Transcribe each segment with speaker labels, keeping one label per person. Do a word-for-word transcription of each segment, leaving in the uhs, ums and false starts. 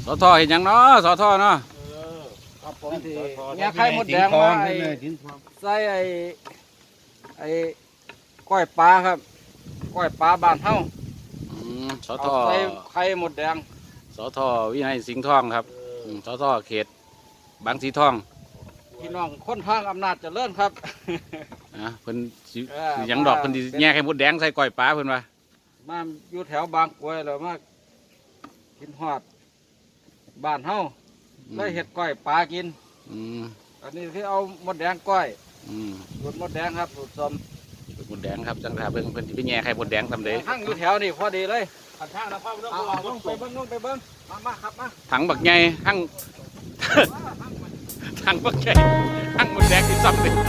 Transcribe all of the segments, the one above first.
Speaker 1: สอทอเห็นยังเนาะสอทอเนาะ
Speaker 2: ครับผมที่เนี่ยไข่มดแดงมาใส่ไอ้ไอ้ก้อยปลาครับก้อยปลาบ้านเฮา
Speaker 1: สอทอ
Speaker 2: ใส่ไข่มดแดง
Speaker 1: สอทอวินัยสิงห์ทองครับสอทอเขตบางสีทอง
Speaker 2: พี่น้องคนทางอำนาจเจริญครับ
Speaker 1: นะเพิ่นยังดอกเพิ่นแง่ไข่มดแดงใส่ก้อยปลาเพิ่นว่า
Speaker 2: มาอยู่แถวบางกรวยแล้วมากินฮอดบ้านเฮาได้เห็ดก้อยปลากินอันนี้ที่เอามดแดงก้อยสูตรมดแดงครับสูตรส้ม
Speaker 1: สูตรมดแดงครับจังหวะเพิ่นเพิ่นที่ไปแง่ไข่มดแดงทำเด้
Speaker 2: ทั้งอยู่แถวนี่พอดีเลยทางนะพ่อไม่ต้องไปเบิ้งนู่นไปเบิ้งมามาครับมา
Speaker 1: ถังบักใหญ่ทั้งถังบักใหญ่ทั้งมดแดงที่ซ้ำเลย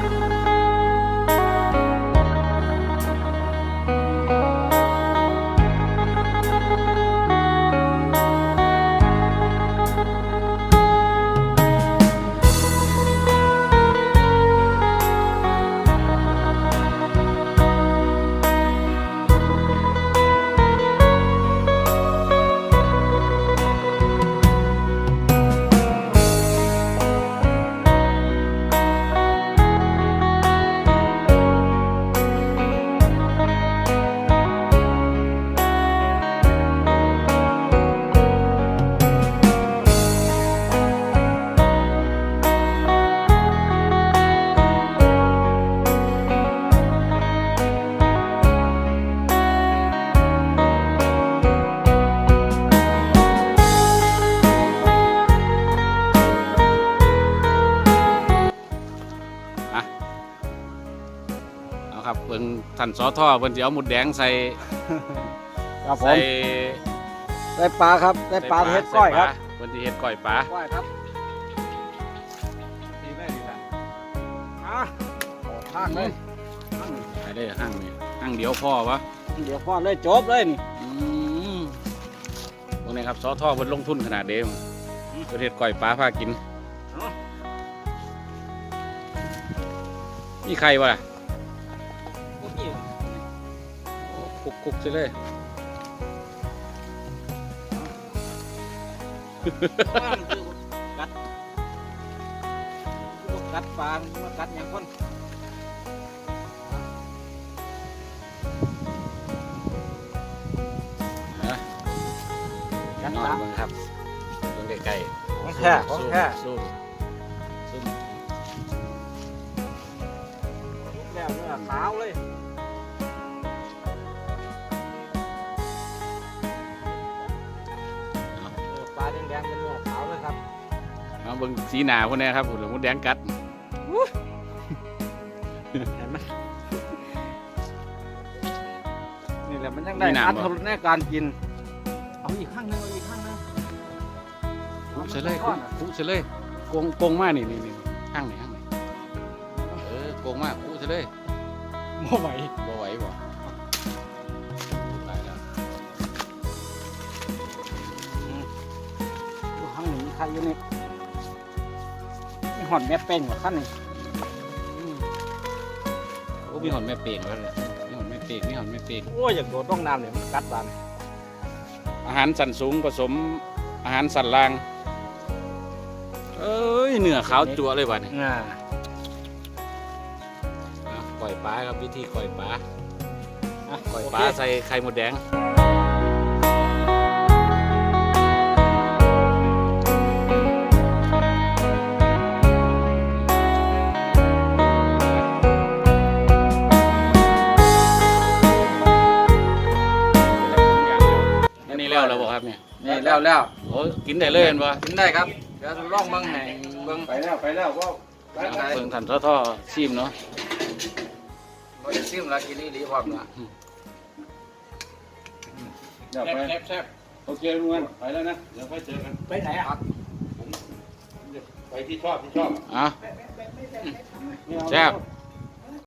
Speaker 1: ครับเพิ่นท่านสอท่อเพิ่นจะเอาหมุดแดงใส่
Speaker 2: ครับผมใส่ปลาครับใส่ปลาเฮ็ดก้อยครับ
Speaker 1: เพิ่นจะเฮ็ดก้อยปลา
Speaker 2: ก้อยครับดีได้ดีละอ่ะห้างเลย
Speaker 1: ไปได้ห้างนี่ห้างเดียวพ่อวะ
Speaker 2: เดี๋ยวพ่อเลยจบเลยนี่
Speaker 1: พวกนี้ครับสอท่อเพิ่นลงทุนขนาดเดิมเพิ่นเฮ็ดก้อยปลาพากินนี่ใครวะคุกคุกใช่เลย
Speaker 2: กัดกัดปลามากัดอย่างคน
Speaker 1: นะกัดปลาบ้างครับตรงใกล้
Speaker 2: ๆของแค่ของแค่
Speaker 1: ซุ่มซุ่ม
Speaker 2: แล้วเนื้อขาวเลยแดงเป็นเนื้อขาวเลยครับ
Speaker 1: เอาเบิ่งสีหนาพวกนี้ครับหุ่นมดแดงกัด
Speaker 2: เห็นไหมนี่แหละมันยังได้อัตรสในการกินเอาอีกข้างนึงเอาอีกข้างนึง
Speaker 1: คุกเฉลยคุกเฉลยโกงโกงมากนี่นี่นี่ข้างไหนข้างไหนเออโกงมากคุกเฉลย
Speaker 2: บ่ไหว
Speaker 1: บ่ไหวบ่
Speaker 2: ใครอยู่นี่มีหอนแม่เป่งกว่าขั้นนี่
Speaker 1: โอ้มีหอนแม่เป่งแล้วเลยมีหอนแม่เป่งมีหอนแม่เป่ง
Speaker 2: โอ้ยอยากโดดต้องน้ำเลยมันกัดบาน
Speaker 1: อาหารสันสูงผสมอาหารสันล่างเอ้ยเนื้อขาวจั่วเลยว่ะนี่ก่อยปลาครับวิธีก่อยปลาก่อยปลาใส่ไข่มดแดงแล้วแล้วบอกครับเนี่ย
Speaker 2: นี่แล้วแล้ว
Speaker 1: โอ้กินได้เลยเห็นป่ะ
Speaker 2: กินได้ครับเดี๋ยวลองเบิ้งให้เบิ้ง
Speaker 3: ไปแล้วไปแล้วก็
Speaker 1: เบิ้งทันท่อท่อชิมเนาะ
Speaker 2: เราจะชิมแล้วกินนี่ดีพร้อมนะ
Speaker 3: เดี๋ยวไปแซ่บแซ่บโอเคลุงวันไปแล้วนะเดี๋ยวค่อยเจอกัน
Speaker 2: ไปไหนอ่ะ
Speaker 3: ผมไปที่ชอบที่ชอบ
Speaker 1: อ่ะแซ่บ